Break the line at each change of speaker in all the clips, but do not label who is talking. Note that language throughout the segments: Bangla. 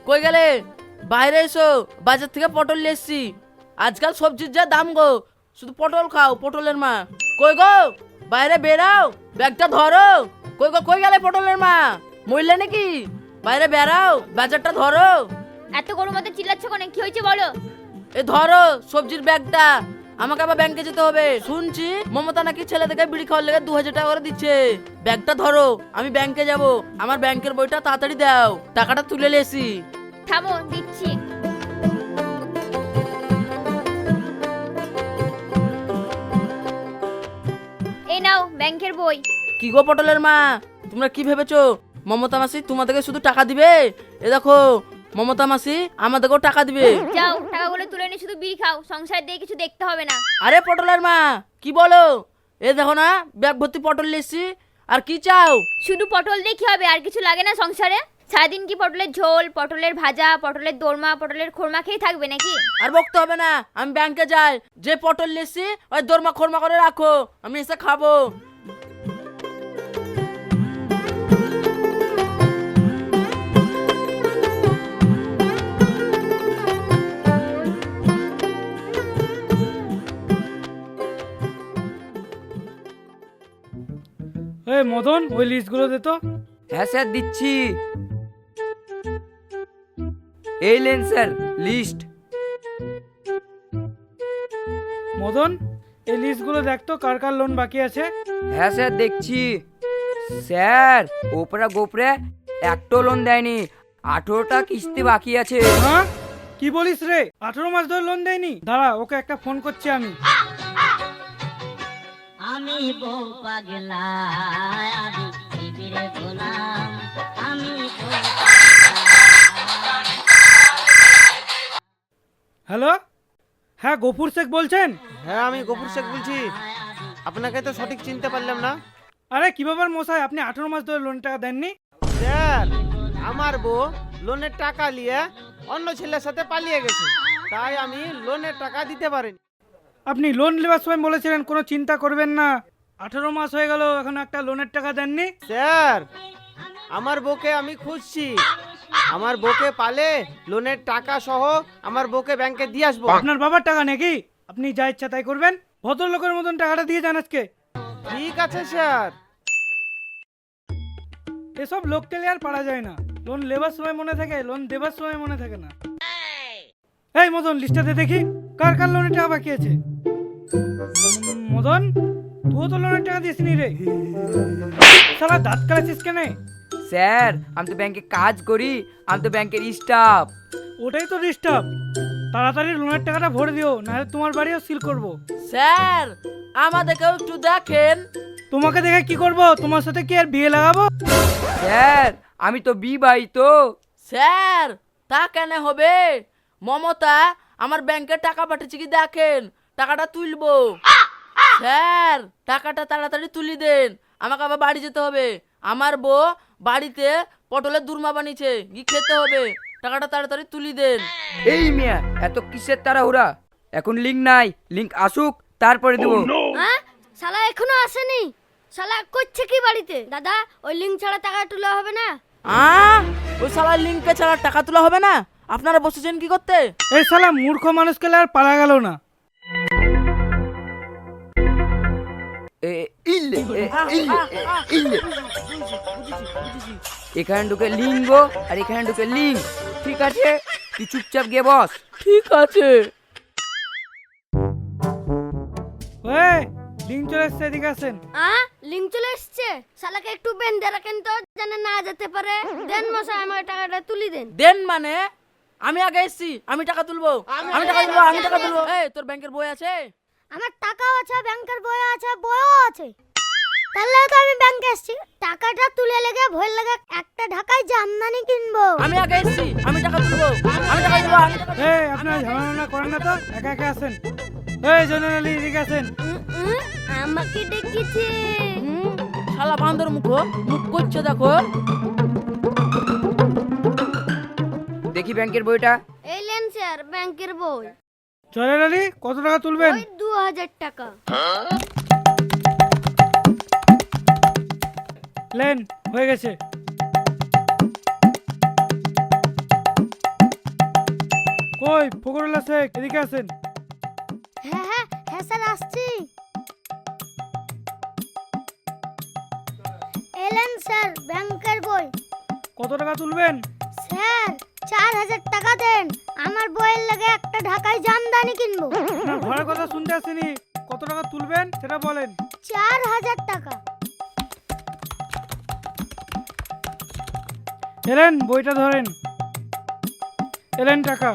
কই গেলে? বাইরে এসো, বাজার থেকে পটল নিয়ে এসছি। আজকাল সবজির যা দাম গো, শুধু পটল খাও, পটলের মা। কই গো, বাইরে বেরাও, ব্যাগটা ধরো। কই গো, কই গেলে পটলের মা? মরলে নাকি? বাইরে বেরাও, বাজারটা ধরো।
এত গরম মতো চিল্লাচ্ছ কেন? কি হয়েছে বলো?
এ ধরো সবজির ব্যাগটা, আমাকে আবার ব্যাংকে যেতে হবে। শুনছি মমতা নাকি ছেলেদেরকে বিড়ি খাওয়ার লেগে 2000 টাকা করে দিচ্ছে। ব্যাগটা ধরো, আমি ব্যাংকে যাব। আমার ব্যাংকের বইটা তাড়াতাড়ি দাও, টাকাটা তুলে লেসি।
থামো, দিচ্ছি। এই নাও ব্যাংকের বই।
কি গো পটলের মা, তোমরা কি ভেবেছো মমতা মাসি তোমাদেরকে শুধু টাকা দিবে? এ দেখো, মমতা মাসি আমাদেরকেও টাকা দিবে।
যাও টাকাগুলো তুলে নিয়ে শুধু বিড়ি খাও, সংসার দিয়ে কিছু দেখতে হবে না।
আরে পটলের মা, কি বলো? এ দেখো না, ব্যাগ ভর্তি পটল লেসি। আর কি চাও?
শুধু পটল দিয়ে কি হবে? আর কিছু লাগে না সংসারে? সারাদিন কি পটলের ঝোল, পটলের ভাজা, পটলের দোরমা, পটলের খোরমা খেয়ে থাকবে নাকি?
আর বকতে হবে না, আমি ব্যাংকে যাই। যে পটল লেসি ওই দরমা খরমা করে রাখো, আমি এসে খাবো।
এই মদন, ওই লিস্টগুলো দে তো।
হ্যাঁ স্যার, দিচ্ছি। এই লেন স্যার লিস্ট।
মদন, এই লিস্টগুলো দেখ তো কার কার লোন বাকি আছে।
হ্যাঁ স্যার, দেখছি। স্যার, ওপরা গোপরে একটা লোন দেয়নি, 18টা কিস্তি বাকি আছে।
হ্যাঁ, কি বলিস রে? 18 মাস ধরে লোন দেয়নি? দাঁড়া, ওকে একটা ফোন করছি আমি।
আমি বউ পাগলা, আমি শিবিরে গোলাম, আমি
হ্যালো, হ্যাঁ গফুর শেখ বলছেন?
হ্যাঁ, আমি গফুর শেখ বলছি। আপনাকে তো সঠিক চিনতে পারলাম না।
আরে কি ব্যাপার মশাই, আপনি 18 মাস ধরে লোন টাকা দেননি?
স্যার, আমার বউ লোনের টাকা নিয়ে অন্য ছেলের সাথে পালিয়ে গেছে, তাই আমি লোনের টাকা দিতে পারিনি।
আপনি লোন নেওয়ার সময় বলেছিলেন কোনো চিন্তা করবেন না। 18 মাস হয়ে গেল, এখন একটা লোনের টাকা দেননি?
স্যার, আমার বউকে আমি খুঁজছি। আমার বউকে পালে লোনের টাকা সহ আমার বউকে ব্যাংকে দিয়ে আসবো।
আপনার বাবার টাকা নাকি? আপনি যা ইচ্ছা তাই করবেন, ভদ্রলোকের মতন টাকাটা দিয়ে যান আজকে।
ঠিক আছে স্যার।
এসব লোককে আর পারা যায় না। লোন লেবার সময় মনে থাকে, লোন দেবার সময় মনে থাকে না। এই মদন, লিস্টটাতে দেখি কার কার লোনের টাকা বাকি আছে। মদন, তুইও তো লোনের টাকা দিসনি রে। শালা দাঁত কালাছিস কেন?
স্যার, আমি তো ব্যাংকে কাজ করি, আমি তো ব্যাংকের স্টাফ।
ওটাই তো ডিস্টার্ব। তাড়াতাড়ি লোনের টাকাটা ভরে দিও, নাহলে তোমার বাড়িও সিল করব।
স্যার, আমাদেরকেও একটু দেখেন।
তোমাকে দেখে কি করব? তোমার সাথে কি আর বিয়ে লাগাবো?
স্যার, আমি তো বিবাহিত।
স্যার, তা কেন হবে? মমতা আমার ব্যাংকে টাকা পাঠিয়েছে কি দেখেন, টাকাটা তুলবো। স্যার, টাকাটা তাড়াতাড়ি তুলি দেন, আমাকে আবার বাড়ি যেতে হবে। আমার বউ বাড়িতে পটলের দুরমা বানিয়েছে, কি খেতে হবে। টাকাটা তাড়াতাড়ি তুলি দেন।
এই মিয়া, এত কিসের তাড়াহুড়া? এখন লিঙ্ক নাই, লিঙ্ক আসুক তারপরে দেবো।
হ্যাঁ, শালা এখনো আসেনি। শালা করছে কি বাড়িতে? দাদা, ওই লিঙ্ক ছাড়া টাকা তোলা হবে না।
ওই শালা লিঙ্কে ছাড়া টাকা তোলা হবে না? আপনারা বসেছেন কি করতে?
এই শালা মূর্খ মানুষকে আর পারা গেল না।
এখানে ঢুকে লিঙ্গ আর এখানে ঢুকে লিঙ্ক। ঠিক আছে, তুই চুপচাপ গিয়ে বস।
ঠিক আছে।
ওই লিঙ্ক চলে এসছে, এদিকে আসেন।
লিঙ্ক চলে এসছে। শালাকে একটু বেঁধে রাখেন তো, যেন না যেতে পারে। দেন মশাই, আমার টাকাটা তুলি দেন।
দেন মানে? আমি আগে এসছি, আমি টাকা তুলবো, আমি টাকা তুলবো, আমি টাকা তুলবো। এই, তোর ব্যাংকের বই আছে?
আমার টাকাও আছে, ব্যাংকের বই আছে, বইও আছে। তাহলে তো আমি ব্যাংকে এসেছি। টাকাটা তুলে লেগে ভয় লাগে, একটা ঢাকায় জামদানি কিনবো।
আমি আগে এসছি, আমি টাকা তুলবো, আমি টাকা তুলবো, আমি টাকা তুলবো।
এই আপনারা ঝামেলা করেন না তো, একা একা আসেন। এই জয়নুল আলী, এদিকে আসেন।
আমাকে ডেকেছে।
শালা বান্দর মুখ করছে দেখো।
দেখি ব্যাংকের বইটা।
এই লেন স্যার, ব্যাংকের বই।
জয়নুল আলী, কত টাকা তুলবেন?
ওই 2000 টাকা।
লেন, হয়ে গেছে। কই ফকরুল্লাহ শেখ, এদিকে আসেন।
হ্যাঁ হ্যাঁ হ্যাঁ স্যার আসছি। এলেন স্যার ব্যাংকের বই।
কত টাকা তুলবেন?
স্যার 4000 টাকা দেন, আমার বইয়ের লাগে একটা ঢাকায় জামদানি কিনবো।
না, ঘরের কথা শুনতে আসেনি, কত টাকা তুলবেন সেটা বলেন।
4000 টাকা।
এলেন বইটা ধরেন, এলেন টাকা।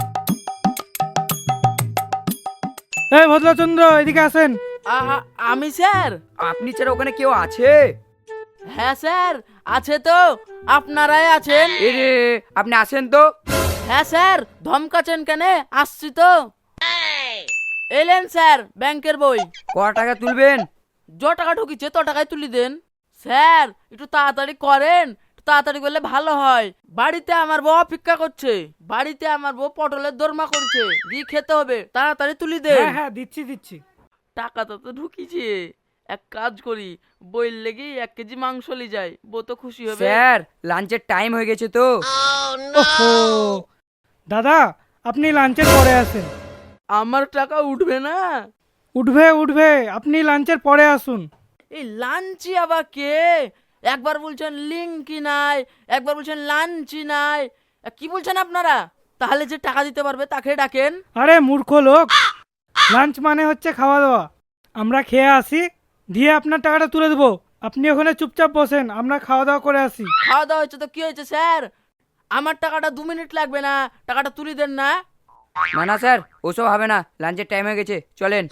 এই ভদ্রচন্দ্র এদিকে আসেন।
আমি স্যার?
আপনি ছাড়া ওখানে কেউ আছে?
হ্যাঁ স্যার আছে তো, আপনারাই আছেন।
এ রে, আপনি আসেন তো।
হ্যাঁ স্যার, ধমকাছেন কেন? আসছি তো। এলেন স্যার ব্যাংকের বই।
ক টাকা তুলবেন?
যত টাকা ঢুকিছে তত টাকায় তুলি দেন। স্যার একটু তাড়াতাড়ি করেন, একটু তাড়াতাড়ি করলে ভালো হয়। বাড়িতে আমার বউ অপেক্ষা করছে, বাড়িতে আমার বউ পটলের দোরমা করছে, দিয়ে খেতে হবে, তাড়াতাড়ি তুলি দেন।
হ্যাঁ হ্যাঁ দিচ্ছি দিচ্ছি।
টাকা তো ঢুকিছে, এক কাজ করি, বইয়ের লেগে 1 কেজি মাংস লি যাই, বউ তো খুশি হবে।
স্যার লাঞ্চের টাইম হয়ে গেছে তো।
ওহো, দাদা আপনি লাঞ্চের পরে আসেন।
আমার টাকা উঠবে না?
উঠবে উঠবে, আপনি লাঞ্চের পরে আসুন।
এই লাঞ্চি আবার কে? একবার বলছেন লিঙ্কই নাই, একবার বলছেন লাঞ্চই নাই, কি বলছেন আপনারা? তাহলে যে টাকা দিতে পারবে তাকে ডাকেন।
আরে মূর্খ লোক, লাঞ্চ মানে হচ্ছে খাওয়া দাওয়া। আমরা খেয়ে আসি, দিয়ে আপনার টাকাটা তুলে দেবো। আপনি ওখানে চুপচাপ বসেন, আমরা খাওয়া দাওয়া করে আসি।
খাওয়া দাওয়া হচ্ছে তো কি হয়েছে স্যার? আমার টাকাটা 2 মিনিট লাগবে না, টাকাটা তুলে দেন না।
না না স্যার, ওসব হবে না, লাঞ্চের টাইম হয়ে গেছে, চলেন।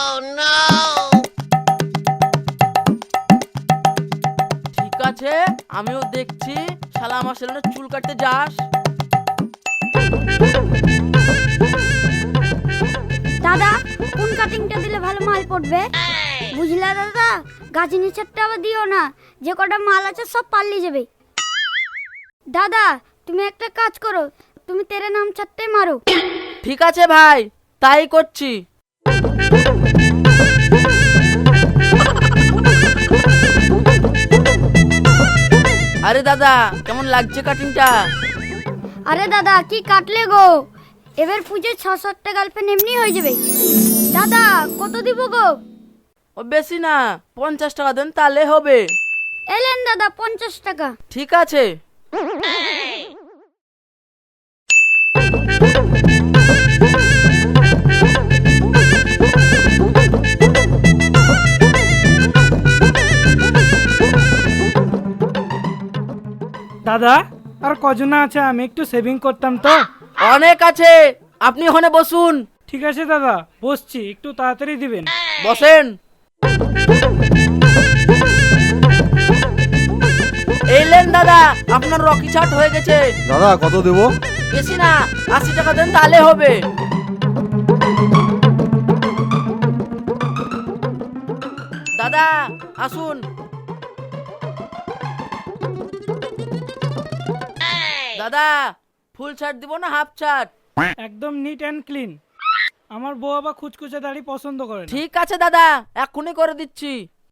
ঠিক আছে, আমিও দেখছি, শালা আমার ছেলেটা চুল কাটতে যাস।
দাদা কোন কাটিংটা দিলে ভালো মাল পড়বে? বুঝলা দাদা, গাছের নিচেরটা আবার দিও না, যে কটা মাল আছে সব পাল্লি যাবে। দাদা তুমি একটা কাজ করো, তুমি তেরে নাম ছাড়তে মারো।
ঠিক আছে ভাই, তাই করছি। আরে দাদা কেমন লাগছে কাটিংটা?
আরে দাদা কি কাটলে গো, এবার পুজো 6-7টা গার্লফ্রেন্ড এমনি হয়ে যাবে। দাদা কত দিব গো?
ও বেশি না, 50 টাকা দেন তাহলে হবে।
এলেন দাদা 50 টাকা।
ঠিক আছে।
দাদা আর কজনা আছে, আমি একটু সেভিং করতাম তো।
অনেক আছে, আপনি ওখানে বসুন।
ঠিক আছে দাদা বসছি, একটু তাড়াতাড়ি দিবেন।
বসেন। এইলেন দাদা, আপনার রকি চাট হয়ে গেছে।
দাদা কত দেবো?
বেশি না, 80 টাকা দেন তাহলে হবে। দাদা আসুন। দাদা ফুল শার্ট দিব না হাফ শার্ট?
একদম নিট অ্যান্ড ক্লিন। আমার বউ আবার খুচখুচে দাড়ি পছন্দ করে না।
ঠিক আছে দাদা, এক্ষুনি করে দিচ্ছি।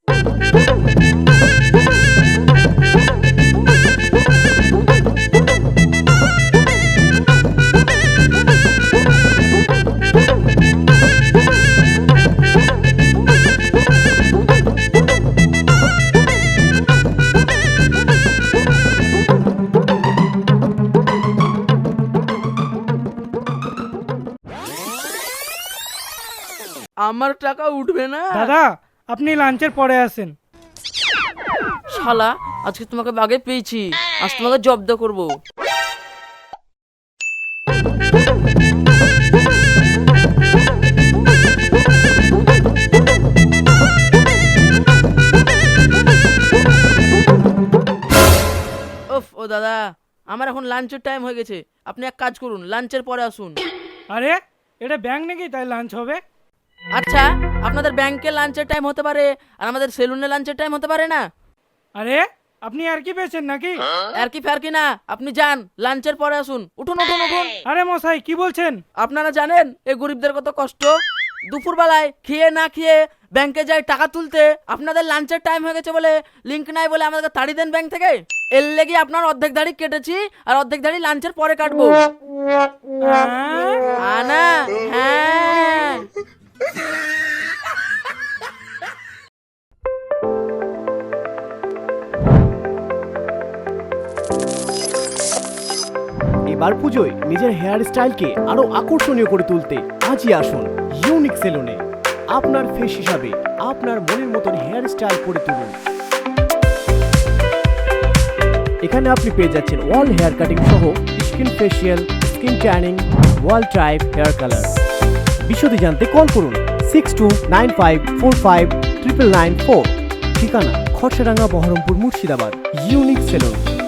আমার টাকা উঠবে না?
দাদা আপনি লাঞ্চের পরে আসেন।
শালা আজকে তোমাকে বাগে পেয়েছি, আজ তোমাকে জব্দ করব। উফ ও দাদা, আমার এখন লাঞ্চের টাইম হয়ে গেছে, আপনি এক কাজ করুন, লাঞ্চের পরে আসুন।
আরে এটা ব্যাংক নাকি তাই লাঞ্চ হবে?
আচ্ছা, আপনাদের ব্যাংকে লাঞ্চের টাইম হতে পারে, আর আমাদের সেলুনে লাঞ্চের টাইম হতে পারে না?
আরে আপনি আর কি পেয়েছেন নাকি?
আর কি ফের না, আপনি যান, লাঞ্চের পরে আসুন। উঠুন উঠুন উঠুন।
আরে মশাই কি বলছেন?
আপনারা জানেন এই গরিবদের কত কষ্ট, দুপুরবেলায় খেয়ে না খেয়ে ব্যাংকে যাই টাকা তুলতে, আপনাদের লাঞ্চের টাইম হয়ে গেছে বলে, লিঙ্ক নাই বলে আমাদেরকে তাড়ি দেন ব্যাংক থেকে। এর লেগে আপনার অর্ধেক দাড়ি কেটেছি, আর অর্ধেক দাড়ি লাঞ্চের পরে কাটবো। আনা হ্যাঁ।
এবার পুজোয় নিজের হেয়ার স্টাইলকে আরো আকর্ষণীয় করে তুলতে আজই আসুন ইউনিক সেলুনে। আপনার ফেস হিসাবে আপনার মনের মতন হেয়ার স্টাইল করে তুলুন। এখানে আপনি পেয়ে যাচ্ছেন ওয়াল হেয়ার কাটিং সহ স্কিন ফেশিয়াল, স্কিন ট্যানিং, ওয়াল টাইপ হেয়ার কালার। বিশদে জানতে কল করুন 6295459994। ঠিকানা খরচাডাঙ্গা, বহরমপুর, মুর্শিদাবাদ। Unique salon.